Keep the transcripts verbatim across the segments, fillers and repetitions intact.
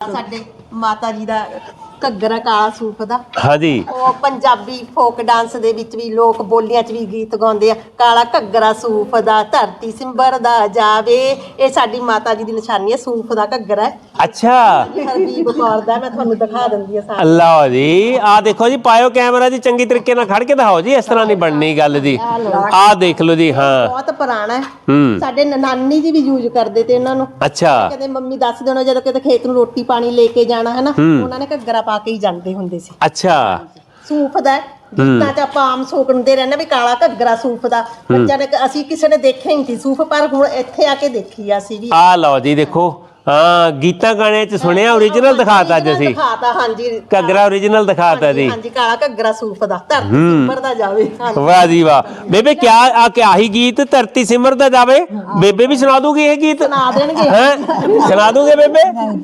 ਸਾਡੇ ਮਾਤਾ ਜੀ ਦਾ ਘੱਗਰਾ ਕਾਲਾ ਸੂਫ ਦਾ। ਹਾਂਜੀ ਉਹ ਪੰਜਾਬੀ ਫੋਕ ਡਾਂਸ ਦੇ ਵਿੱਚ ਵੀ ਲੋਕ ਬੋਲੀਆਂ 'ਚ ਵੀ ਗੀਤ ਗਾਉਂਦੇ ਆ, ਕਾਲਾ ਘੱਗਰਾ ਸੂਫ ਦਾ ਧਰਤੀ ਸਿੰਬਰ ਦਾ ਜਾਵੇ। ਇਹ ਸਾਡੀ ਮਾਤਾ ਜੀ ਦੀ ਨਿਸ਼ਾਨੀ ਹੈ, ਸੂਫ ਦਾ ਘੱਗਰਾ ਹੈ। ਅੱਛਾ ਹਰਬੀਬ ਕੌਰ ਦਾ, ਮੈਂ ਤੁਹਾਨੂੰ ਦਿਖਾ ਦਿੰਦੀ ਆ ਸਾਰਾ। ਅੱਲਾ ਜੀ ਆ ਦੇਖੋ ਜੀ, ਪਾਇਓ ਕੈਮਰਾ ਜੀ, ਚੰਗੀ ਤਰੀਕੇ ਨਾਲ ਖੜ ਕੇ ਦਿਖਾਓ ਜੀ, ਇਸ ਤਰ੍ਹਾਂ ਨਹੀਂ ਬਣਨੀ ਗੱਲ ਜੀ। ਆ ਦੇਖ ਲਓ ਜੀ। ਹਾਂ ਬਹੁਤ ਪੁਰਾਣਾ ਹੈ, ਹੂੰ ਸਾਡੇ ਨਾਨੀ ਜੀ ਵੀ ਯੂਜ਼ ਕਰਦੇ ਤੇ ਇਹਨਾਂ ਨੂੰ। ਅੱਛਾ ਕਦੇ ਮੰਮੀ ਦੱਸ ਦੇਣਾ ਜਦੋਂ ਕਿਤੇ ਖੇਤ ਨੂੰ ਰੋਟੀ ਪਾਣੀ ਲੈ ਕੇ ਜਾਣਾ ਹੈ ਨਾ, ਉਹਨਾਂ ਨੇ ਘੱਗਰਾ ਪਾ ਕੇ ਹੀ ਜਾਂਦੇ ਹੁੰਦੇ ਸੀ। ਅੱਛਾ ਸੂਫ ਦਾ ਗੀਤਾਂ 'ਚ ਆਪਾਂ ਆਮ ਸੁਣਦੇ ਰਹਿੰਦੇ ਵੀ ਕਾਲਾ ਘੱਗਰਾ ਸੂਫ ਦਾ। ਬੱਚਿਆਂ ਨੇ, ਅਸੀਂ ਕਿਸੇ ਨੇ ਦੇਖਿਆ ਹੀ ਨਹੀਂ ਸੂਫ, ਪਰ ਹੁਣ ਇੱਥੇ ਆ ਕੇ ਦੇਖੀ ਅਸੀਂ ਵੀ। ਆ ਲਓ ਜੀ ਦੇਖੋ, ਹਾਂ ਗੀਤਾਂ ਗਾਣੇ 'ਚ ਸੁਣਿਆ, ਓਰੀਜਨਲ ਦਿਖਾਤਾ ਅੱਜ ਅਸੀਂ। ਦਿਖਾਤਾ ਹਾਂਜੀ, ਘੱਗਰਾ ਓਰੀਜਨਲ ਦਿਖਾਤਾ ਜੀ। ਹਾਂਜੀ ਕਾਲਾ ਘੱਗਰਾ ਸੂਫ ਦਾ ਧਰਤੀ ਸਿੰਬਰ ਦਾ ਜਾਵੇ। ਵਾਹ ਜੀ ਵਾਹ। ਬੇਬੇ ਕਿਆ ਆ ਕਿਆ ਹੀ ਗੀਤ ਧਰਤੀ ਸਿਮਰ ਦਾ ਜਾਵੇ, ਬੇਬੇ ਵੀ ਸੁਣਾ ਦੂਗੀ ਇਹ ਗੀਤ? ਸੁਣਾ ਦੇਣਗੇ। ਹੈ ਸੁਣਾ ਦੂਗੇ ਬੇਬੇ?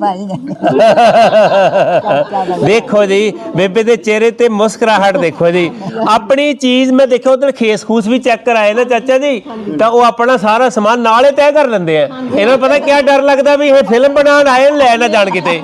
ਦੇਖੋ ਜੀ ਬੇਬੇ ਦੇ ਚਿਹਰੇ ਤੇ ਮੁਸਕਰਾਹਟ ਦੇਖੋ ਜੀ। ਆਪਣੀ ਚੀਜ਼ ਮੈਂ ਦੇਖਿਆ ਉਧਰ ਖੇਸ ਖੂਸ ਵੀ ਚੈੱਕ ਕਰਾਏ ਨਾ ਚਾਚਾ ਜੀ, ਤਾਂ ਉਹ ਆਪਣਾ ਸਾਰਾ ਸਮਾਨ ਨਾਲੇ ਤੈਅ ਕਰ ਲੈਂਦੇ ਆ। ਇਹਨਾਂ ਨੂੰ ਪਤਾ ਕਿਆ ਡਰ ਲੱਗਦਾ ਵੀ ਇਹ ਫਿਲਮ ਬਣਾਉਣ ਆਏ ਲੈ ਨਾ ਜਾਣ ਕਿਤੇ।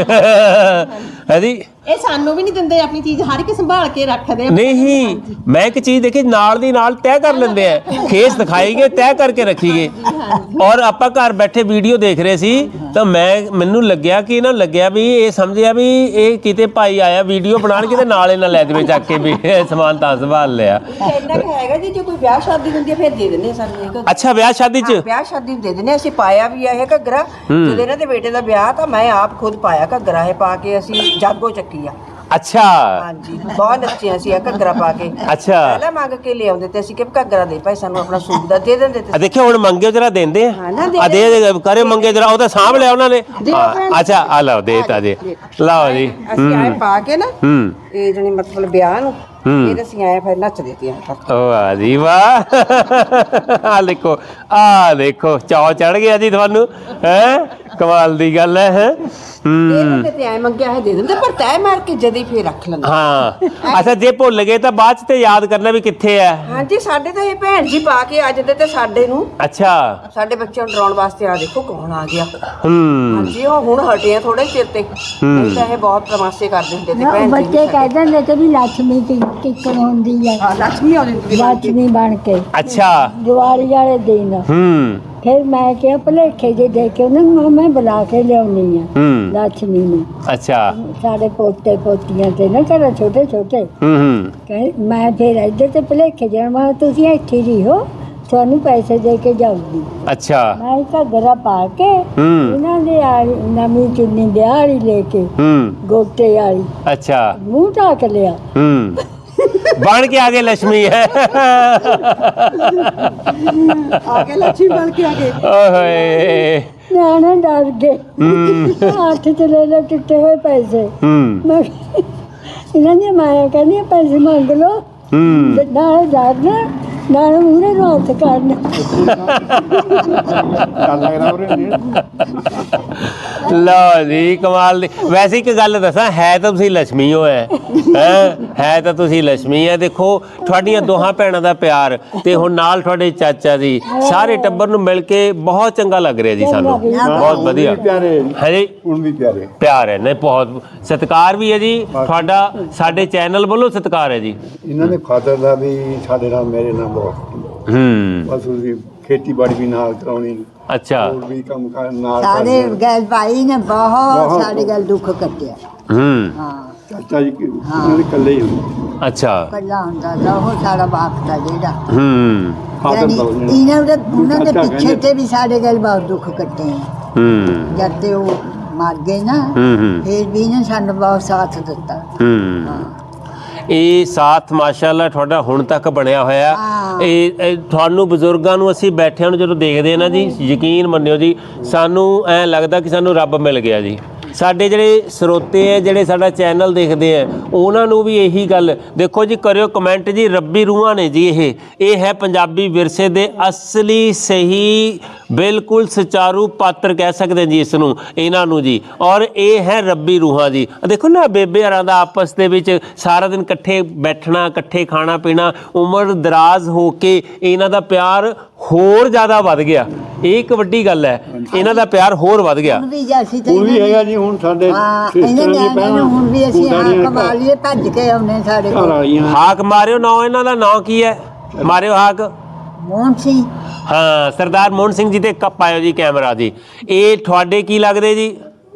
ਹੈ ਜੀ, ਇਹ ਸਾਨੂੰ ਵੀ ਨਹੀਂ ਦਿੰਦੇ, ਆਪਣੀ ਚੀਜ਼ ਹਰ ਇੱਕ ਸੰਭਾਲ ਕੇ ਰੱਖਦੇ ਆ। ਨਹੀਂ ਮੈਂ ਇੱਕ ਚੀਜ਼ ਦੇਖੀ, ਨਾਲ ਦੀ ਨਾਲ ਤੈਅ ਕਰ ਲੈਂਦੇ ਆ, ਖੇਸ ਦਿਖਾਈਗੇ ਤੈਅ ਕਰਕੇ ਰੱਖੀਗੇ। ਔਰ ਆਪਾਂ ਘਰ ਬੈਠੇ ਵੀਡੀਓ ਦੇਖ ਰਹੇ ਸੀ, ਤਾਂ ਮੈਂ ਮੈਨੂੰ ਲੱਗਿਆ ਕਿ ਇਹਨਾਂ ਲੱਗਿਆ ਵੀ ਇਹ ਸਮਝਿਆ ਵੀ ਇਹ ਕਿਤੇ ਭਾਈ ਆਇਆ ਵੀਡੀਓ ਬਣਾਉਣ, ਕਿਤੇ ਨਾਲ ਇਹਨਾਂ ਲੈ ਦੇਵੇ ਚੱਕ ਕੇ ਵੀ ਇਹ ਸਮਾਨ ਤਾਂ ਸੰਭਾਲ ਲਿਆ। ਇੰਨਾ ਕੁ ਹੈਗਾ ਜੀ, ਜੇ ਕੋਈ ਵਿਆਹ ਸ਼ਾਦੀ ਹੁੰਦੀ ਹੈ ਫਿਰ ਦੇ ਦਿੰਦੇ ਸਾਨੂੰ ਇਹ ਘੱਗਰਾ। ਅੱਛਾ ਵਿਆਹ ਸ਼ਾਦੀ 'ਚ? ਵਿਆਹ ਸ਼ਾਦੀ ਨੂੰ ਦੇ ਦਿੰਦੇ, ਅਸੀਂ ਪਾਇਆ ਵੀ ਆ ਇਹ ਘੱਗਰਾ। ਜਦੋਂ ਇਹਨਾਂ ਦੇ ਬੇਟੇ ਦਾ ਵਿਆਹ ਤਾਂ ਮੈਂ ਆਪ ਖੁਦ ਪਾਇਆ ਘੱਗਰਾ, ਇਹ ਪਾ ਕੇ ਅਸੀਂ ਜਾਗੋ ਚੱਕੀ ਆ। ਅੱਛਾ ਹਾਂਜੀ ਬਹੁਤ ਨੱਚੇ ਅਸੀਂ ਇਹ ਘੱਗਰਾ ਪਾ ਕੇ। ਅੱਛਾ ਪਹਿਲਾਂ ਮੰਗ ਕੇ ਲਿਆਉਂਦੇ ਤੇ ਅਸੀਂ ਕਿ ਘੱਗਰਾ ਦੇ ਭਾਈ ਸਾਨੂੰ ਆਪਣਾ ਸੂਟ ਦਾ ਦੇ ਦਿੰਦੇ ਤੇ। ਆ ਦੇਖਿਓ ਹੁਣ ਮੰਗਿਓ ਜਰਾ ਦਿੰਦੇ ਆ, ਹਾਂ ਨਾ ਆ ਦੇ ਕਰੇ ਮੰਗੇ ਜਰਾ, ਉਹ ਤਾਂ ਸਾਂਭ ਲਿਆ ਉਹਨਾਂ ਨੇ। ਅੱਛਾ ਆ ਲਓ ਦੇਤਾ ਜੀ, ਲਓ ਜੀ। ਅਸੀਂ ਆਏ ਪਾ ਕੇ ਨਾ ਹੂੰ ਇਹ ਜਣੀ ਮਤਲਬ ਵਿਆਹ ਨੂੰ ਫਿਰ ਅਸੀਂ ਆਏ ਫਿਰ ਨੱਚਦੇ ਤੇ ਵਾਹ ਜੀ ਵਾਹ। ਆ ਦੇਖੋ ਆ ਦੇਖੋ, ਚਾਅ ਚੜ ਗਿਆ ਜੀ ਤੁਹਾਨੂੰ, ਹੈ ਕਮਾਲ ਦੀ ਗੱਲ ਹੈ। ਹੈ ਹੂੰ ਤੇ ਆਏ ਮੰਗਿਆ ਹੈ ਦੇ ਦਿੰਦੇ, ਪਰ ਤੈ ਮਾਰ ਕੇ ਜਦੀ ਫੇਰ ਰੱਖ ਲੈਂਦੇ। ਹਾਂ ਅੱਛਾ, ਜੇ ਭੁੱਲ ਗਏ ਤਾਂ ਬਾਅਦ 'ਚ ਤੇ ਯਾਦ ਕਰਨਾ ਵੀ ਕਿੱਥੇ ਹੈ। ਹਾਂਜੀ ਸਾਡੇ ਤਾਂ ਇਹ ਭੈਣ ਜੀ ਪਾ ਕੇ ਅੱਜ ਦੇ ਤੇ ਸਾਡੇ ਨੂੰ, ਅੱਛਾ ਸਾਡੇ ਬੱਚਿਆਂ ਨੂੰ ਡਰਾਉਣ ਵਾਸਤੇ ਆ ਦੇਖੋ ਕੌਣ ਆ ਗਿਆ। ਹੂੰ ਹਾਂਜੀ ਉਹ ਹੁਣ ਹਟੇ ਆ ਥੋੜੇ ਚਿਰ ਤੇ, ਨਹੀਂ ਤਾਂ ਇਹ ਬਹੁਤ ਤਮਾਸ਼ੇ ਕਰਦੇ ਹੁੰਦੇ ਤੇ ਭੈਣ ਜੀ। ਬੱਚੇ ਕਹਿੰਦੇ ਨੇ ਕਿ ਵੀ ਲక్ష్ਮੀ ਕਿੱਕਰ ਹੁੰਦੀ ਹੈ, ਹਾਂ ਲక్ష్ਮੀ ਆਉਂਦੀ ਹੁੰਦੀ ਸੀ। ਲక్ష్ਮੀ ਬਣ ਕੇ ਅੱਛਾ ਦੀਵਾਲੀ ਵਾਲੇ ਦਿਨ। ਹੂੰ ਫਿਰ ਮੈਂ ਕਿਹਾ ਭਲੇਖੇ ਜੇ ਦੇ ਕੇ ਉਹਨੂੰ ਮੈਂ ਬੁਲਾ ਕੇ ਲਿਆਉਣੀ ਆ ਹੂੰ ਲక్ష్ਮੀ ਨੂੰ। ਅੱਛਾ ਸਾਡੇ ਪੋਤੇ ਪੋਤੀਆਂ ਤੇ ਨਾ ਘਰ ਛੋਟੇ ਛੋਟੇ ਹੂੰ ਹੂੰ ਕਹੇ ਮੈਂ ਫਿਰ ਇੱਧਰ ਤੇ ਭਲੇਖੇ ਜਾਣ ਮੈਂ ਤੁਸੀਂ ਇੱਥੇ ਹੀ ਹੋ, ਤੁਹਾਨੂੰ ਪੈਸੇ ਦੇ ਕੇ ਜਾਊਗੀ। ਅੱਛਾ ਮੈਂ ਘੱਗਰਾ ਪਾ ਕੇ ਹੂੰ ਇਹਨਾਂ ਦੇ ਆ ਨਵੀਂ ਚੁੰਨੀ ਵਿਆਹ ਵਾਲੀ ਲੈ ਕੇ ਹੂੰ ਗੋਟੇ ਵਾਲੀ ਅੱਛਾ ਮੂੰਹ ਢੱਕ ਲਿਆ। ਹੂੰ ਬਣ ਕੇ ਆਗੇ ਲక్ష్ਮੀ ਹੈ। ਆ ਕੇ ਲక్ష్ਮੀ ਬਣ ਕੇ ਆ ਗਏ। ਓਏ ਨਿਆਣੇ ਡਰ ਗਏ। ਹੂੰ ਹੱਥ ਚ ਲੈ ਲੈ ਟੁੱਟੇ ਹੋਏ ਪੈਸੇ। ਹੂੰ ਮੈਂ ਇਹਨਾਂ ਦੀਆਂ ਮਾਇਆ ਕਹਿੰਦੀਆਂ ਪੈਸੇ ਮੰਗ ਲਓ, ਹੂੰ ਨਾਲ ਡਰਨਾ ਨਾਲ ਮੂਹਰੇ ਨੂੰ ਹੱਥ ਕਰਨਾ। ਲਓ ਜੀ ਕਮਾਲ ਦੀ। ਵੈਸੇ ਇੱਕ ਗੱਲ ਦੱਸਾਂ, ਹੈ ਤਾਂ ਤੁਸੀਂ ਲక్ష్ਮੀ ਹੋ ਹੈ ਹੈ ਹੈ ਤਾਂ ਤੁਸੀਂ ਲక్ష్ਮੀ ਹੈ। ਦੇਖੋ ਤੁਹਾਡੀਆਂ ਦੋਹਾਂ ਭੈਣਾਂ ਦਾ ਪਿਆਰ, ਤੇ ਹੁਣ ਨਾਲ ਤੁਹਾਡੇ ਚਾਚਾ ਜੀ, ਸਾਰੇ ਟੱਬਰ ਨੂੰ ਮਿਲ ਕੇ ਬਹੁਤ ਚੰਗਾ ਲੱਗ ਰਿਹਾ ਜੀ ਸਾਨੂੰ, ਬਹੁਤ ਵਧੀਆ ਹੈ ਜੀ। ਹੁਣ ਵੀ ਪਿਆਰੇ ਪਿਆਰ ਹੈ ਨਹੀਂ, ਬਹੁਤ ਸਤਿਕਾਰ ਵੀ ਹੈ ਜੀ ਤੁਹਾਡਾ, ਸਾਡੇ ਚੈਨਲ ਵੱਲੋਂ ਸਤਿਕਾਰ ਹੈ ਜੀ। ਇਹਨਾਂ ਦੇ ਫਾਦਰ ਦਾ ਵੀ ਸਾਡੇ ਨਾਲ ਮੇਰੇ ਨਾਲ ਬਹੁਤ, ਹੂੰ ਬਸ ਉਹਦੀ ਖੇਤੀਬਾੜੀ ਵੀ ਨਾਲ ਕਰਾਉਣੀ, ਅੱਛਾ ਹੋਰ ਵੀ ਕੰਮ ਕਾਰ ਨਾਲ ਸਾਡੇ ਕਰਦੇ। ਗੈਲ ਭਾਈ ਨੇ ਬਹੁਤ ਬਹੁਤ। ਸਾਡੇ ਗੱਲ ਦੁੱਖ ਕੱਟਿਆ। ਹੂੰ ਹਾਂ ਚਾਚਾ ਜੀ ਉਹਨਾਂ ਦੇ ਇਕੱਲੇ ਹੀ ਹੁੰਦੇ, ਅੱਛਾ ਕੱਲਾ ਹੁੰਦਾ ਤਾਂ ਉਹ ਸਾਡਾ ਬਾਪ ਦਾ ਜਿਹੜਾ ਹੂੰ ਫਾਦਰ ਯਾਨੀ ਦਾ ਜਿਹੜਾ। ਇਹਨਾਂ ਦੇ ਉਹਨਾਂ ਦੇ ਚਾਚਾ ਪਿੱਛੇ ਕਹਿੰਦੇ। ਤੇ ਵੀ ਸਾਡੇ ਗੱਲ ਬਹੁਤ ਦੁੱਖ ਕੱਟੇ ਆ। ਹੂੰ ਜਦ ਤੇ ਉਹ ਮਰ ਗਏ ਨਾ, ਹੂੰ ਹੂੰ ਫਿਰ ਵੀ ਇਹਨਾਂ ਸਾਨੂੰ ਬਹੁਤ ਸਾਥ ਦਿੱਤਾ। ਹੂੰ ਇਹ ਸਾਥ ਮਾਸ਼ਾਅੱਲਾ ਤੁਹਾਡਾ ਹੁਣ ਤੱਕ ਬਣਿਆ ਹੋਇਆ। ਹਾਂ। ਇਹ ਇਹ ਤੁਹਾਨੂੰ ਬਜ਼ੁਰਗਾਂ ਨੂੰ ਅਸੀਂ ਬੈਠਿਆਂ ਨੂੰ ਜਦੋਂ ਦੇਖਦੇ ਆ ਨਾ ਜੀ, ਯਕੀਨ ਮੰਨਿਓ ਜੀ, ਸਾਨੂੰ ਐਂ ਲੱਗਦਾ ਕਿ ਸਾਨੂੰ ਰੱਬ ਮਿਲ ਗਿਆ ਜੀ। ਸਾਡੇ ਜਿਹੜੇ ਸਰੋਤੇ ਹੈ, ਜਿਹੜੇ ਸਾਡਾ ਚੈਨਲ ਦੇਖਦੇ ਆ, ਉਹਨਾਂ ਨੂੰ ਵੀ ਇਹੀ ਗੱਲ ਦੇਖੋ ਜੀ, ਕਰਿਓ ਕਮੈਂਟ ਜੀ। ਰੱਬੀ ਰੂਹਾਂ ਨੇ ਜੀ ਇਹ ਇਹ ਹੈ ਪੰਜਾਬੀ ਵਿਰਸੇ ਦੇ ਅਸਲੀ ਸਹੀ ਬਿਲਕੁਲ ਸੁਚਾਰੂ ਪਾਤਰ ਕਹਿ ਸਕਦੇ ਜੀ ਇਸ ਨੂੰ, ਇਹਨਾਂ ਨੂੰ ਜੀ। ਔਰ ਇਹ ਹੈ ਰੱਬੀ ਰੂਹਾਂ ਜੀ। ਦੇਖੋ ਨਾ ਬੇਬੇ ਹਰਾਂ ਦਾ ਆਪਸ ਦੇ ਵਿੱਚ ਸਾਰਾ ਦਿਨ ਇਕੱਠੇ ਬੈਠਣਾ, ਇਕੱਠੇ ਖਾਣਾ ਪੀਣਾ, ਉਮਰ ਦਰਾਜ਼ ਹੋ ਕੇ ਇਹਨਾਂ ਦਾ ਪਿਆਰ ਹੋਰ ਜ਼ਿਆਦਾ ਵੱਧ ਗਿਆ। ਇਹ ਇੱਕ ਵੱਡੀ ਗੱਲ ਹੈ, ਇਹਨਾਂ ਦਾ ਪਿਆਰ ਹੋਰ ਵੱਧ ਗਿਆ। ਹੁਣ ਵੀ ਜੇ ਅਸੀਂ ਤਾਂ ਹੁਣ ਵੀ ਇਹਨਾਂ ਹੈਗਾ ਜੀ, ਹੁਣ ਸਾਡੇ ਹਾਂ ਸਿਸਟਰਾਂ ਇਹਨਾਂ ਦੀ ਨਿਆਣਿਆਂ ਨੂੰ ਹੁਣ ਵੀ ਅਸੀਂ ਹਾਂ ਕਮਾ ਲਈਏ ਭੱਜ ਕੇ ਆਉਨੇ ਸਾਡੇ ਘਰ ਕੋਲ। ਵਾਲੀਆਂ ਹਾਕ ਮਾਰਿਓ, ਨਾਂ ਇਹਨਾਂ ਦਾ ਨਾਂ ਕੀ ਹੈ? ਮਾਰਿਓ ਹਾਕ। ਮੋਹਨ ਸਿੰਘ ਹਾਂ, ਸਰਦਾਰ ਮੋਹਨ ਸਿੰਘ ਜੀ ਦੇ ਕੱਪ ਆਇਓ ਜੀ ਕੈਮਰਾ ਜੀ। ਇਹ ਤੁਹਾਡੇ ਕੀ ਲੱਗਦੇ ਜੀ?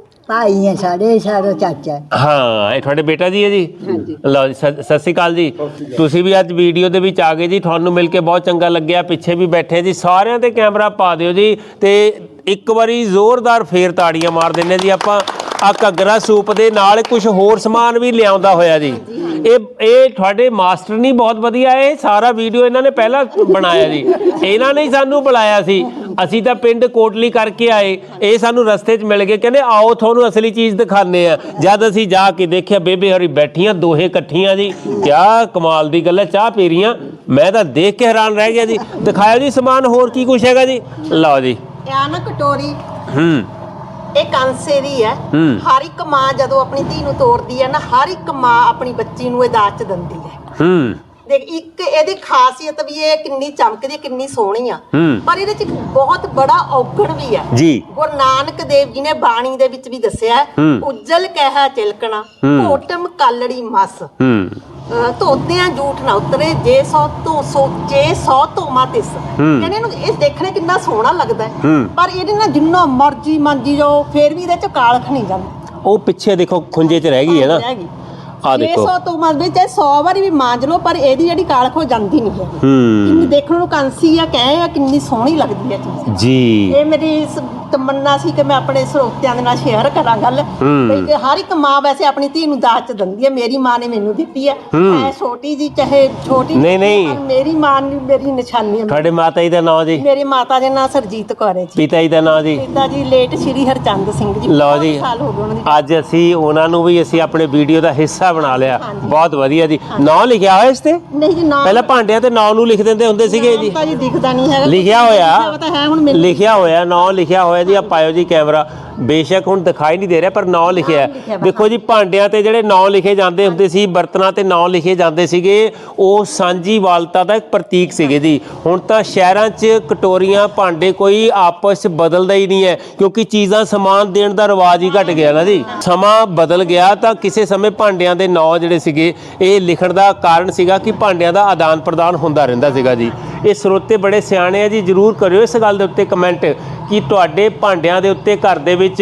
ਭਾਈ ਹੈ ਸਾਡੇ, ਸਾਡਾ ਚਾਚਾ। ਹਾਂ, ਇਹ ਤੁਹਾਡੇ ਬੇਟਾ ਜੀ ਹੈ ਜੀ। ਲਓ ਜੀ, ਸਤਿ ਸਤਿ ਸ਼੍ਰੀ ਅਕਾਲ ਜੀ। ਤੁਸੀਂ ਵੀ ਅੱਜ ਵੀਡੀਓ ਦੇ ਵਿੱਚ ਆ ਗਏ ਜੀ, ਤੁਹਾਨੂੰ ਮਿਲ ਕੇ ਬਹੁਤ ਚੰਗਾ ਲੱਗਿਆ। ਪਿੱਛੇ ਵੀ ਬੈਠੇ ਜੀ, ਸਾਰਿਆਂ ਤੇ ਕੈਮਰਾ ਪਾ ਦਿਓ ਜੀ, ਤੇ ਇੱਕ ਵਾਰੀ ਜ਼ੋਰਦਾਰ ਫੇਰ ਤਾੜੀਆਂ ਮਾਰ ਦਿੰਦੇ ਜੀ ਆਪਾਂ। ਆ ਘੱਗਰਾ ਸੂਪ ਦੇ ਨਾਲ ਕੁਝ ਹੋਰ ਸਮਾਨ ਵੀ ਲਿਆਉਂਦਾ ਹੋਇਆ ਜੀ। ਇਹ ਇਹ ਤੁਹਾਡੇ ਮਾਸਟਰ ਨਹੀਂ ਬਹੁਤ ਵਧੀਆ, ਇਹ ਸਾਰਾ ਵੀਡੀਓ ਇਹਨਾਂ ਨੇ ਪਹਿਲਾਂ ਬਣਾਇਆ ਜੀ। ਇਹਨਾਂ ਨੇ ਹੀ ਸਾਨੂੰ ਬੁਲਾਇਆ ਸੀ, ਅਸੀਂ ਤਾਂ ਪਿੰਡ ਕੋਟਲੀ ਕਰਕੇ ਆਏ, ਇਹ ਸਾਨੂੰ ਰਸਤੇ 'ਚ ਮਿਲ ਗਏ, ਕਹਿੰਦੇ ਆਓ ਤੁਹਾਨੂੰ ਅਸਲੀ ਚੀਜ਼ ਦਿਖਾਉਂਦੇ ਆ। ਜਦ ਅਸੀਂ ਜਾ ਕੇ ਦੇਖਿਆ, ਬੇਬੇ ਹੋਰੀ ਬੈਠੀਆਂ ਦੋਹੇ ਇਕੱਠੀਆਂ ਜੀ, ਕਿਆ ਕਮਾਲ ਦੀ ਗੱਲ ਹੈ, ਚਾਹ ਪੀ ਰਹੀਆਂ। ਮੈਂ ਤਾਂ ਦੇਖ ਕੇ ਹੈਰਾਨ ਰਹਿ ਗਿਆ ਜੀ। ਦਿਖਾਇਓ ਜੀ ਸਮਾਨ, ਹੋਰ ਕੀ ਕੁਛ ਹੈਗਾ ਜੀ? ਲਓ ਜੀ। ਆ ਨਾ ਕਟੋਰੀ, ਹੂੰ ਇਹ ਕਾਂਸੇ ਦੀ ਹੈ। ਹੂੰ। ਹਰ ਇੱਕ ਮਾਂ ਜਦੋਂ ਆਪਣੀ ਧੀ ਨੂੰ ਤੋਰਦੀ ਹੈ ਨਾ, ਹਰ ਇੱਕ ਮਾਂ ਆਪਣੀ ਬੱਚੀ ਨੂੰ ਇਹ ਦਾਜ ਚ ਦਿੰਦੀ ਹੈ। ਹੂੰ ਦੇਖ, ਇੱਕ ਇਹਦੀ ਖਾਸੀਅਤ ਵੀ ਇਹ ਕਿੰਨੀ ਚਮਕਦੀ ਹੈ, ਕਿੰਨੀ ਸੋਹਣੀ ਆ, ਹੂੰ। ਪਰ ਇਹਦੇ ਚ ਇੱਕ ਬਹੁਤ ਬੜਾ ਔਗਣ ਵੀ ਹੈ ਜੀ। ਗੁਰੂ ਨਾਨਕ ਦੇਵ ਜੀ ਨੇ ਬਾਣੀ ਦੇ ਵਿੱਚ ਵੀ ਦੱਸਿਆ ਹੈ, ਹੂੰ। ਉਜਲ ਕਹਿਆ ਚਿਲਕਣਾ, ਹੂੰ। ਘੋਟਮ ਕਾਲੜੀ ਮਸ, ਹੂੰ ਅਹ ਧੋਤਿਆਂ ਝੂਠ ਨਾ ਉਤਰੇ, ਜੇ ਸੌ ਤੋਂ ਸੋਚੇ ਸੌ ਤੋਂ ਮਾਤਿਸ। ਹੂੰ। ਕਹਿੰਦੇ ਇਹਨੂੰ ਇਹ ਦੇਖਣੇ ਕਿੰਨਾ ਸੋਹਣਾ ਲੱਗਦਾ ਹੈ, ਹੂੰ। ਪਰ ਇਹਦੇ ਨਾਲ ਜਿੰਨਾ ਮਰਜੀ ਮੰਜੀ ਜਾਓ ਫੇਰ ਵੀ ਇਹਦੇ ਚ ਕਾਲਖ ਨਹੀਂ ਜਾਂਦੀ। ਉਹ ਪਿੱਛੇ ਦੇਖੋ ਖੁੰਝੇ 'ਚ ਰਹਿ ਗਈ ਹੈ ਨਾ, ਰਹਿ ਗਈ। ਆ ਦੇਖੋ। ਛੇ ਸੌ ਤੋਂ ਮਰ ਵਿੱਚ ਚਾਹੇ ਸੌ ਵਾਰੀ ਵੀ ਮਾਂਜ ਲਓ, ਪਰ ਇਹਦੀ ਜਿਹੜੀ ਕਾਲਖ ਹੋ ਜਾਂਦੀ ਨਹੀਂ ਹੈ। ਹੂੰ ਕਿੰਨੀ ਦੇਖਣ ਨੂੰ ਕਾਂਸੀ ਆ, ਕਹੇ ਆ ਕਿੰਨੀ ਸੋਹਣੀ ਲੱਗਦੀ ਹੈ ਚੀਜ਼। ਜੀ। ਇਹ ਮੇਰੀ ਇਸ ਤਮੰਨਾ ਸੀ ਕਿ ਮੈਂ ਆਪਣੇ ਸਰੋਤਿਆਂ ਦੇ ਨਾਲ ਸ਼ੇਅਰ ਕਰਾਂ ਗੱਲ, ਹੂੰ। ਕਿ ਹਰ ਇੱਕ ਮਾਂ ਵੈਸੇ ਆਪਣੀ ਧੀ ਨੂੰ ਦਾਜ ਚ ਦਿੰਦੀ ਹੈ। ਮੇਰੀ ਮਾਂ ਨੇ ਮੈਨੂੰ ਦਿੱਤੀ ਹੈ, ਹੂੰ। ਐ ਛੋਟੀ ਜੀ ਚਾਹੇ ਛੋਟੀ ਨਹੀਂ, ਨਹੀਂ। ਪਰ ਮੇਰੀ ਮਾਂ ਨੇ ਮੇਰੀ ਨਿਸ਼ਾਨੀ ਹੈ। ਤੁਹਾਡੇ ਮਾਤਾ ਜੀ ਦਾ ਨਾਮ ਜੀ? ਮੇਰੀ ਮਾਤਾ ਦੇ ਨਾਂ ਸਰਜੀਤ ਕੌਰ ਹੈ ਜੀ। ਪਿਤਾ ਜੀ ਦਾ ਨਾਮ ਜੀ? ਪਿਤਾ ਜੀ ਲੇਟ ਸ਼੍ਰੀ ਹਰਚੰਦ ਸਿੰਘ ਜੀ। ਲਓ ਬਹੁਤ ਜੀ, ਸਾਲ ਹੋ ਗਏ ਉਹਨਾਂ ਦੀ। ਅੱਜ ਅਸੀਂ ਉਹਨਾਂ ਨੂੰ ਵੀ ਅਸੀਂ ਆਪਣੇ ਵੀਡੀਓ ਦਾ ਹਿੱਸਾ ਬਣਾ ਲਿਆ। ਹਾਂਜੀ। ਬਹੁਤ ਵਧੀਆ ਜੀ। ਨਾਂ ਲਿਖਿਆ ਹੋਇਆ ਇਸ ਤੇ? ਨਹੀਂ ਜੀ, ਨਾਮ ਪਹਿਲਾਂ ਭਾਂਡਿਆਂ ਤੇ ਨਾਂ ਨੂੰ ਲਿਖ ਦਿੰਦੇ ਹੁੰਦੇ ਸੀਗੇ ਜੀ। ਤਾਂ ਜੀ ਦਿਖਦਾ ਨਹੀਂ ਹੈਗਾ, ਲਿਖਿਆ ਹੋਇਆ, ਉਹ ਤਾਂ ਹੈ ਹੁਣ ਮੈਨੂੰ। ਲਿਖਿਆ ਹੋਇਆ, ਨਾਂ ਲਿਖਿਆ ਹੋਇਆ ਜੀ। ਆ ਪਾਇਓ ਜੀ ਕੈਮਰਾ। ਬੇਸ਼ੱਕ ਹੁਣ ਦਿਖਾਈ ਨਹੀਂ ਦੇ ਰਿਹਾ, ਪਰ ਨਾਂ ਲਿਖਿਆ ਹੈ। ਲਿਖਿਆ ਵਾ। ਦੇਖੋ ਜੀ, ਭਾਂਡਿਆਂ ਤੇ ਜਿਹੜੇ ਨਾਂ ਲਿਖੇ ਜਾਂਦੇ ਹੁੰਦੇ ਸੀ, ਬਰਤਨਾਂ ਤੇ ਨਾਂ ਲਿਖੇ ਜਾਂਦੇ ਸੀਗੇ, ਉਹ ਸਾਂਝੀਵਾਲਤਾ ਦਾ ਇੱਕ ਪ੍ਰਤੀਕ ਸੀਗੇ ਜੀ। ਹੁਣ ਤਾਂ ਸ਼ਹਿਰਾਂ 'ਚ ਕਟੋਰੀਆਂ, ਭਾਂਡੇ ਕੋਈ ਆਪਸ 'ਚ ਬਦਲਦਾ ਹੀ ਨਹੀਂ ਹੈ, ਕਿਉਂਕਿ ਚੀਜ਼ਾਂ ਸਮਾਨ ਦੇਣ ਦਾ ਰਿਵਾਜ ਹੀ ਘਟ ਗਿਆ ਨਾ ਜੀ। ਸਮਾਂ ਬਦਲ ਗਿਆ, ਤਾਂ ਕਿਸੇ ਸਮੇਂ ਭਾਂਡਿਆਂ ਦੇ ਨਾਂ ਜਿਹੜੇ ਸੀਗੇ, ਇਹ ਲਿਖਣ ਦਾ ਕਾਰਨ ਸੀਗਾ ਕਿ ਭਾਂਡਿਆਂ ਦਾ ਆਦਾਨ ਪ੍ਰਦਾਨ ਹੁੰਦਾ ਰਹਿੰਦਾ ਸੀਗਾ ਜੀ। ਇਹ ਸਰੋਤੇ ਬੜੇ ਸਿਆਣੇ ਆ ਜੀ, ਜ਼ਰੂਰ ਕਰਿਓ ਇਸ ਗੱਲ ਦੇ ਉੱਤੇ ਕਮੈਂਟ ਕਿ ਤੁਹਾਡੇ ਭਾਂਡਿਆਂ ਦੇ ਉੱਤੇ ਘਰ ਦੇ ਵਿੱਚ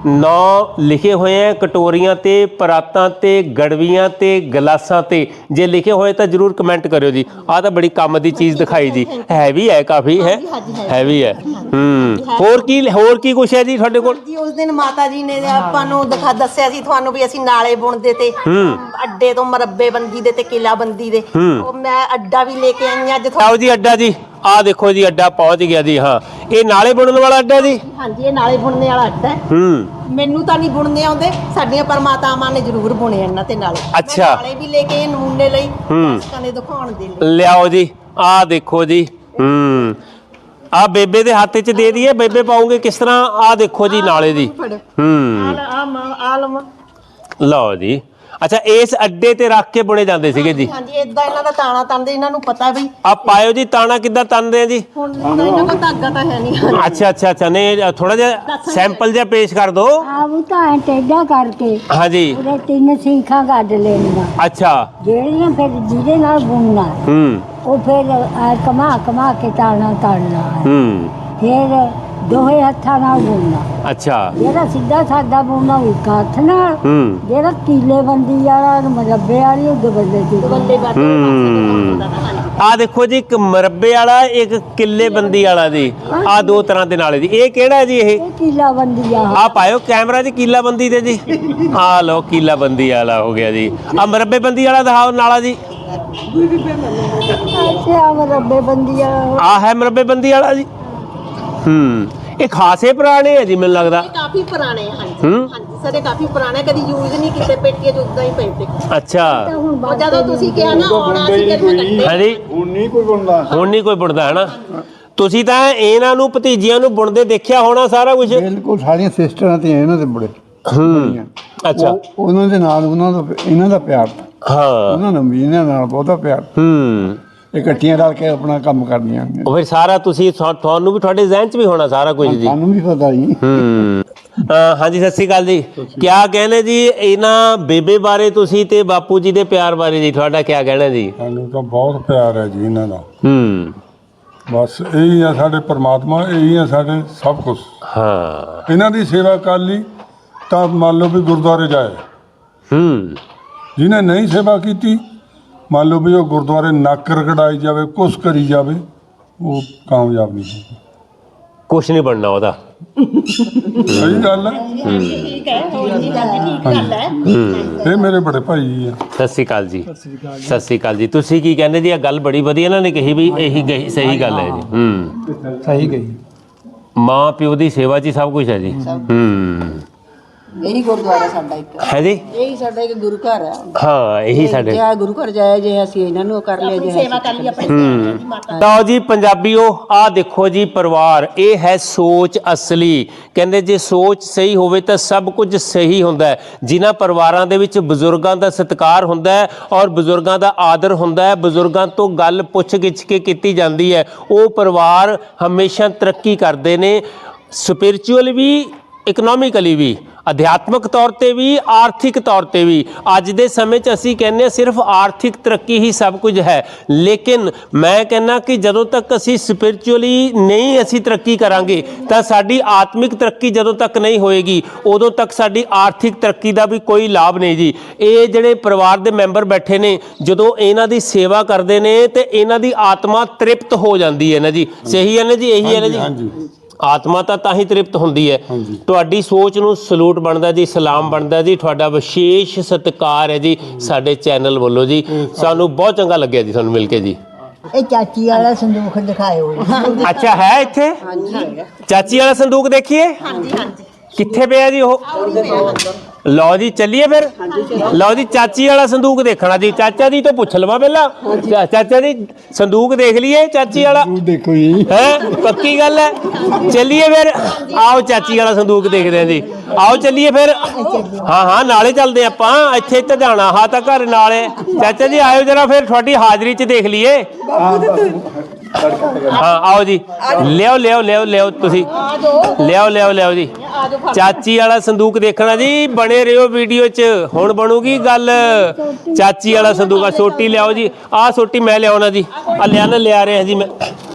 ਨਾਂ ਲਿਖੇ ਹੋਏ ਆ, ਕਟੋਰੀਆਂ ਤੇ, ਪਰਾਤਾਂ ਤੇ, ਗੜਵੀਆਂ ਤੇ, ਗਲਾਸਾਂ ਤੇ। ਜੇ ਲਿਖੇ ਹੋਏ ਤਾਂ ਜ਼ਰੂਰ ਕਮੈਂਟ ਕਰਿਓ ਜੀ। ਆਹ ਤਾਂ ਬੜੀ ਕੰਮ ਦੀ ਚੀਜ਼ ਦਿਖਾਈ ਜੀ, ਹੈਵੀ ਹੈ, ਕਾਫੀ ਹੈ, ਹੈਵੀ ਹੈ। ਹੂੰ ਹੋਰ ਕੀ, ਹੋਰ ਕੀ ਕੁਛ ਹੈ ਜੀ ਤੁਹਾਡੇ ਕੋਲ? ਜੀ ਉਸ ਦਿਨ ਮਾਤਾ ਜੀ ਨੇ ਆਪਾਂ ਨੂੰ ਦਿਖਾ ਦੱਸਿਆ ਸੀ ਤੁਹਾਨੂੰ ਵੀ ਅਸੀਂ ਨਾਲੇ ਬੁਣਦੇ ਤੇ, ਅੱਡੇ ਤੋਂ ਮਰੱਬੇ ਬੰਦੀ ਦੇ ਤੇ ਕਿਲਾ ਬੰਦੀ ਦੇ। ਉਹ ਮੈਂ ਅੱਡਾ ਵੀ ਲੈ ਕੇ ਆਈ ਅੱਜ। ਆਓ ਜੀ ਅੱਡਾ ਜੀ, ਆਹ ਦੇਖੋ ਜੀ ਅੱਡਾ ਪਹੁੰਚ ਗਿਆ ਜੀ। ਹਾਂ, ਇਹ ਨਾਲੇ ਬੁਣਨ ਵਾਲਾ ਅੱਡਾ ਜੀ? ਹਾਂਜੀ, ਇਹ ਨਾਲੇ ਬੁਣਨੇ ਵਾਲਾ ਅੱਡਾ ਹੈ। ਹੂੰ ਮੈਨੂੰ ਤਾਂ ਨਹੀਂ ਬੁਣਨੇ ਆਉਂਦੇ, ਸਾਡੀਆਂ ਪਰਮਾਤਾਵਾਂ ਨੇ ਜ਼ਰੂਰ ਬੁਣੇ ਇਹਨਾਂ ਤੇ ਨਾਲੇ। ਅੱਛਾ। ਮੈਂ ਨਾਲੇ ਵੀ ਲੈ ਕੇ ਆਏ ਨਮੂਨੇ ਲਈ, ਹੂੰ। ਦਰਸ਼ਕਾਂ ਦੇ ਦਿਖਾਉਣ ਦੇ ਲਈ। ਲਿਆਓ ਜੀ, ਆਹ ਦੇਖੋ ਜੀ। ਹੂੰ ਆ ਬੇਬੇ ਦੇ ਹੱਥ 'ਚ ਦੇ ਦਈਏ, ਬੇਬੇ ਪਾਉਂਗੇ ਕਿਸ ਤਰ੍ਹਾਂ? ਆਹ ਦੇਖੋ ਜੀ ਨਾਲੇ ਦੀ। ਹੂੰ ਆ ਲਵਾਂ। ਲਓ ਜੀ। ਅੱਛਾ, ਇਸ ਅੱਡੇ ਤੇ ਰੱਖ ਕੇ ਬੁਣੇ ਜਾਂਦੇ ਸੀਗੇ ਜੀ? ਹਾਂਜੀ, ਇਦਾਂ ਇਹਨਾਂ ਦਾ ਤਾਣਾ ਤੰਦੇ, ਇਹਨਾਂ ਨੂੰ ਪਤਾ ਵੀ। ਆ ਪਾਇਓ ਜੀ, ਤਾਣਾ ਕਿੱਦਾਂ ਤੰਦੇ ਆ ਜੀ? ਹੁਣ ਤਾਂ ਇਹਨਾਂ ਕੋਲ ਧਾਗਾ ਤਾਂ ਹੈ ਨਹੀਂ। ਅੱਛਾ ਅੱਛਾ ਅੱਛਾ, ਨਹੀਂ ਥੋੜਾ ਜਿਹਾ ਸੈਂਪਲ ਜਿਹਾ ਪੇਸ਼ ਕਰ ਦਿਓ। ਆਪ ਤਾਂ ਟੇਡਾ ਕਰਕੇ ਹਾਂਜੀ। ਉਹਦੇ ਤਿੰਨ ਸੀਖਾਂ ਕੱਢ ਲੈਣੀਆਂ, ਅੱਛਾ। ਜਿਹੜੀਆਂ ਫਿਰ ਜਿਹਦੇ ਨਾਲ ਬੁਣਨਾ ਹੂੰ ਉਹ ਫਿਰ ਆ ਕਮਾ ਕਮਾ ਕੇ ਤਾਣਾ ਤਾੜਨਾ ਹੈ। ਹੂੰ ਫਿਰ ਦੋਹੇ ਹੱਥਾਂ ਨਾਲ ਬੁਣਨਾ। ਅੱਛਾ। ਜਿਹੜਾ ਸਿੱਧਾ ਸਾਦਾ ਬੁਣਨਾ ਉਹ ਇੱਕ ਹੱਥ ਨਾਲ, ਹੂੰ ਜਿਹੜਾ ਕੀਲੇ ਬੰਦੀ ਵਾਲਾ ਮਰੱਬੇ ਵਾਲੀ ਉਹ ਦਬੱਲੇ ਦੀ। ਬੱਲੇ ਬਾਤ ਹੂੰ ਆ ਦੇਖੋ ਜੀ, ਇੱਕ ਮਰੱਬੇ ਵਾਲਾ, ਇੱਕ ਕਿੱਲੇ ਬੰਦੀ ਵਾਲਾ ਜੀ। ਆ ਦੋ ਤਰ੍ਹਾਂ ਦੇ ਨਾਲੇ ਜੀ। ਇਹ ਕਿਹੜਾ ਜੀ? ਇਹ ਇਹ ਕੀਲਾ ਬੰਦੀ ਆ। ਆ ਪਾਇਓ ਕੈਮਰਾ ਜੀ, ਕੀਲਾ ਬੰਦੀ ਦੇ ਜੀ। ਆ ਲਓ, ਕੀਲਾ ਬੰਦੀ ਵਾਲਾ ਹੋ ਗਿਆ ਜੀ। ਆ ਮਰੱਬੇ ਬੰਦੀ ਵਾਲਾ ਦਿਖਾਓ ਨਾਲਾ ਜੀ। ਅੱਛਾ, ਆ ਮਰੱਬੇ ਬੰਦੀ ਆ। ਆ ਹੈ ਮਰੱਬੇ ਬੰਦੀ ਵਾਲਾ ਜੀ। ਹੂੰ ਇਹ ਖਾਸੇ ਪੁਰਾਣੇ ਹੈ ਜੀ, ਮੈਨੂੰ ਲੱਗਦਾ। ਇਹ ਕਾਫੀ ਪੁਰਾਣੇ ਆ। ਹਾਂਜੀ ਹੂੰ। ਹਾਂਜੀ ਸਰ, ਇਹ ਕਾਫੀ ਪੁਰਾਣੇ, ਕਦੀ ਯੂਜ਼ ਨਹੀਂ ਕੀਤੇ, ਪੇਟੀਆਂ ਚ ਉਦਾਂ ਹੀ ਪਏ ਤੇ। ਅੱਛਾ। ਉਹ ਜਦੋਂ ਤੁਸੀਂ ਕਿਹਾ ਨਾ ਆਉਣਾ ਸੀ, ਫਿਰ ਮੈਂ ਕੱਢੇ। ਹਾਂਜੀ, ਹੁਣ ਨਹੀਂ ਕੋਈ ਬਣਦਾ। ਹੁਣ ਨਹੀਂ ਕੋਈ ਬੁਣਦਾ ਹੈ ਨਾ। ਤੁਸੀਂ ਤਾਂ ਇਹਨਾਂ ਨੂੰ, ਭਤੀਜੀਆਂ ਨੂੰ ਬੁਣਦੇ ਦੇਖਿਆ ਹੋਣਾ ਸਾਰਾ ਕੁਝ। ਬਿਲਕੁਲ ਸਾਰੀਆਂ ਸਿਸਟਰਾਂ ਤੇ ਇਹਨਾਂ ਦੇ ਬੜੇ। ਹੂੰ ਅੱਛਾ। ਉਹ- ਉਹਨਾਂ ਦੇ ਨਾਲ ਉਹਨਾਂ ਦਾ ਇਹਨਾਂ ਦਾ ਪਿਆਰ, ਹਾਂ। ਉਹਨਾਂ ਨੂੰ ਵੀ ਇਹਨਾਂ ਨਾਲ ਬਹੁਤਾ ਪਿਆਰ। ਹੂੰ ਇਕੱਠੀਆਂ ਰਲ ਕੇ ਆਪਣਾ ਕੰਮ ਕਰਦੀਆਂ ਹੁੰਦੀਆਂ। ਉਹ ਫਿਰ ਸਾਰਾ ਤੁਸੀਂ ਤੁਹਾ- ਤੁਹਾਨੂੰ ਵੀ ਤੁਹਾਡੇ ਜ਼ਿਹਨ 'ਚ ਵੀ ਹੋਣਾ ਸਾਰਾ ਕੁਝ ਜੀ। ਸਾਨੂੰ ਵੀ ਪਤਾ ਜੀ। ਹੂੰ ਅਹ ਹਾਂਜੀ ਸਤਿ ਸ਼੍ਰੀ ਅਕਾਲ ਜੀ। ਕਿਆ ਕਹਿੰਦੇ ਜੀ ਇਹਨਾਂ ਬੇਬੇ ਬਾਰੇ ਤੁਸੀਂ ਤੇ ਬਾਪੂ ਜੀ ਦੇ ਪਿਆਰ ਬਾਰੇ ਜੀ ਤੁਹਾਡਾ ਕਿਆ ਕਹਿਣਾ ਜੀ? ਸਾਨੂੰ ਤਾਂ ਬਹੁਤ ਪਿਆਰ ਹੈ ਜੀ ਇਹਨਾਂ ਦਾ। ਹੂੰ ਬਸ ਇਹੀ ਆ ਸਾਡੇ ਪਰਮਾਤਮਾ, ਇਹੀ ਆ ਸਾਡੇ ਸਭ ਕੁਝ। ਹਾਂ ਇਹਨਾਂ ਦੀ ਸੇਵਾ ਕਰ ਲਈ ਤਾਂ ਮੰਨ ਲਓ ਵੀ ਗੁਰਦੁਆਰੇ ਜਾਏ, ਹੂੰ ਜਿਹਨੇ ਨਹੀਂ ਸੇਵਾ ਕੀਤੀ ਮੰਨ ਲਓ ਵੀ ਉਹ ਗੁਰਦੁਆਰੇ ਨੱਕ ਰਗੜਾਈ ਜਾਵੇ, ਕੁਛ ਕਰੀ ਜਾਵੇ, ਉਹ ਕਾਮਯਾਬ ਨਹੀਂ ਹੋਊਗਾ। ਕੁਛ ਨਹੀਂ ਬਣਨਾ ਉਹਦਾ। ਸਹੀ ਗੱਲ ਹੈ। ਠੀਕ ਹੈ, ਹੋਰ ਜੀ ਗੱਲ ਠੀਕ ਗੱਲ ਹੈ। ਇਹ ਮੇਰੇ ਬੜੇ ਭਾਈ ਜੀ ਆ। ਸਤਿ ਸ਼੍ਰੀ ਅਕਾਲ ਜੀ। ਸਤਿ ਸ਼੍ਰੀ ਅਕਾਲ ਜੀ। ਤੁਸੀਂ ਕੀ ਕਹਿੰਦੇ ਜੀ? ਇਹ ਗੱਲ ਬੜੀ ਵਧੀਆ ਇਹਨਾਂ ਨੇ ਕਹੀ ਵੀ ਇਹੀ ਗਈ ਸਹੀ ਗੱਲ ਹੈ ਜੀ। ਹੂੰ ਸਹੀ ਗਈ। ਮਾਂ ਪਿਓ ਦੀ ਸੇਵਾ 'ਚ ਹੀ ਸਭ ਕੁਝ ਹੈ ਜੀ। ਹੂੰ ਇਹੀ ਗੁਰਦੁਆਰਾ ਸਾਡਾ ਇੱਕ ਹੈ ਜੀ। ਇਹੀ ਸਾਡਾ ਇੱਕ ਗੁਰੂ ਘਰ ਹੈ। ਹਾਂ ਇਹੀ ਸਾਡੇ ਜੇ ਆ ਗੁਰੂ ਘਰ ਜਾਇਆ ਜੇ ਅਸੀਂ ਇਹਨਾਂ ਨੂੰ ਕਰ ਲਿਆ ਜੇ ਸੇਵਾ ਕਰ ਲਈ ਆਪਣੀ ਮਾਤਾ ਲਓ ਜੀ ਪੰਜਾਬੀਓ, ਆਹ ਦੇਖੋ ਜੀ ਪਰਿਵਾਰ, ਇਹ ਹੈ ਸੋਚ ਅਸਲੀ। ਕਹਿੰਦੇ ਜੇ ਸੋਚ ਸਹੀ ਹੋਵੇ ਤਾਂ ਸਭ ਕੁਝ ਸਹੀ ਹੁੰਦਾ ਹੈ। ਜਿਨ੍ਹਾਂ ਪਰਿਵਾਰਾਂ ਦੇ ਵਿੱਚ ਬਜ਼ੁਰਗਾਂ ਦਾ ਸਤਿਕਾਰ ਹੁੰਦਾ ਹੈ ਔਰ ਬਜ਼ੁਰਗਾਂ ਦਾ ਆਦਰ ਹੁੰਦਾ ਹੈ, ਬਜ਼ੁਰਗਾਂ ਤੋਂ ਗੱਲ ਪੁੱਛ ਗਿੱਛ ਕੇ ਕੀਤੀ ਜਾਂਦੀ ਹੈ, ਉਹ ਪਰਿਵਾਰ ਹਮੇਸ਼ਾ ਤਰੱਕੀ ਕਰਦੇ ਨੇ, ਸਪਿਰਚੁਅਲ ਵੀ, ਇਕਨੋਮਿਕਲੀ ਵੀ, ਅਧਿਆਤਮਿਕ ਤੌਰ ਤੇ ਵੀ, ਆਰਥਿਕ ਤੌਰ ਤੇ ਵੀ। ਅੱਜ ਦੇ ਸਮੇਂ 'ਚ ਅਸੀਂ ਕਹਿੰਦੇ ਹਾਂ ਸਿਰਫ ਆਰਥਿਕ ਤਰੱਕੀ ਹੀ ਸਭ ਕੁਝ ਹੈ, ਲੇਕਿਨ ਮੈਂ ਕਹਿੰਦਾ ਕਿ ਜਦੋਂ ਤੱਕ ਅਸੀਂ ਸਪਿਰਚੁਅਲੀ ਨਹੀਂ ਅਸੀਂ ਤਰੱਕੀ ਕਰਾਂਗੇ ਤਾਂ ਸਾਡੀ ਆਤਮਿਕ ਤਰੱਕੀ ਜਦੋਂ ਤੱਕ ਨਹੀਂ ਹੋਏਗੀ ਉਦੋਂ ਤੱਕ ਸਾਡੀ ਆਰਥਿਕ ਤਰੱਕੀ ਦਾ ਵੀ ਕੋਈ ਲਾਭ ਨਹੀਂ ਜੀ। ਇਹ ਜਿਹੜੇ ਪਰਿਵਾਰ ਦੇ ਮੈਂਬਰ ਬੈਠੇ ਨੇ, ਜਦੋਂ ਇਹਨਾਂ ਦੀ ਸੇਵਾ ਕਰਦੇ ਨੇ ਤੇ ਇਹਨਾਂ ਦੀ ਆਤਮਾ ਤ੍ਰਿਪਤ ਹੋ ਜਾਂਦੀ ਹੈ ਨਾ ਜੀ। ਸਹੀ ਹੈ ਨਾ ਜੀ? ਇਹੀ ਹੈ ਨਾ ਜੀ? ਹਾਂਜੀ ਆਤਮਾ ਤਾਂ ਤਾਂ ਹੀ ਤ੍ਰਿਪਤ ਹੁੰਦੀ ਹੈ। ਤੁਹਾਡੀ ਸੋਚ ਨੂੰ ਸਲੂਟ ਬਣਦਾ ਜੀ, ਸਲਾਮ ਬਣਦਾ ਜੀ, ਤੁਹਾਡਾ ਵਿਸ਼ੇਸ਼ ਸਤਿਕਾਰ ਹੈ ਜੀ ਸਾਡੇ ਚੈਨਲ ਵੱਲੋਂ ਜੀ। ਸਾਨੂੰ ਬਹੁਤ ਚੰਗਾ ਲੱਗਿਆ ਜੀ ਤੁਹਾਨੂੰ ਮਿਲ ਕੇ ਜੀ। ਇਹ ਚਾਚੀ ਵਾਲਾ ਸੰਦੂਖ ਦਿਖਾਇਓ। ਅੱਛਾ ਹੈ ਇੱਥੇ? ਚਾਚੀ ਵਾਲਾ ਸੰਦੂਕ ਦੇਖੀਏ। ਹਾਂਜੀ ਹਾਂਜੀ ਕਿੱਥੇ ਪਿਆ ਜੀ ਉਹ? ਲਓ ਜੀ ਚੱਲੀਏ ਫਿਰ। ਲਓ ਜੀ ਚਾਚੀ ਵਾਲਾ ਸੰਦੂਕ ਦੇਖਣਾ ਜੀ। ਚਾਚਾ ਜੀ ਤੋਂ ਪੁੱਛ ਲਵਾਂ ਪਹਿਲਾਂ। ਚਾ- ਚਾਚਾ ਜੀ ਸੰਦੂਕ ਦੇਖ ਲਈਏ ਚਾਚੀ ਵਾਲਾ? ਦੇਖੋ ਜੀ। ਹੈ ਪੱਕੀ ਗੱਲ ਹੈ। ਚੱਲੀਏ ਫਿਰ। ਆਓ ਚਾਚੀ ਵਾਲਾ ਸੰਦੂਕ ਦੇਖਦੇ ਹਾਂ ਜੀ। ਆਓ ਚੱਲੀਏ ਫਿਰ। ਹਾਂ ਹਾਂ ਨਾਲੇ ਚੱਲਦੇ ਆਪਾਂ। ਇੱਥੇ ਤੇ ਜਾਣਾ ਹਾਂ ਤਾਂ ਘਰ ਨਾਲੇ। ਚਾਚਾ ਜੀ ਆਇਓ ਜਰਾ ਫਿਰ ਤੁਹਾਡੀ ਹਾਜ਼ਰੀ 'ਚ ਦੇਖ ਲਈਏ। ਹਾਂ ਆਓ ਜੀ। ਲਿਆਓ ਲਿਆਓ ਲਿਆਓ ਲਿਆਓ ਤੁਸੀਂ ਲਿਆਓ ਲਿਆਓ ਲਿਆਓ ਜੀ। ਚਾਚੀ ਵਾਲਾ ਸੰਦੂਕ ਦੇਖਣਾ ਜੀ। ਬਣੇ ਰਹੋ ਵੀਡੀਓ 'ਚ। ਹੁਣ ਬਣੂਗੀ ਗੱਲ। ਚਾਚੀ ਵਾਲਾ ਸੰਦੂਕ ਆ। ਸੋਟੀ ਲਿਆਓ ਜੀ। ਆਹ ਸੋਟੀ ਮੈਂ ਲਿਆਉਣਾ ਜੀ। ਆ ਲਿਆ ਨਾ ਲਿਆ ਰਿਹਾ ਜੀ ਮੈਂ।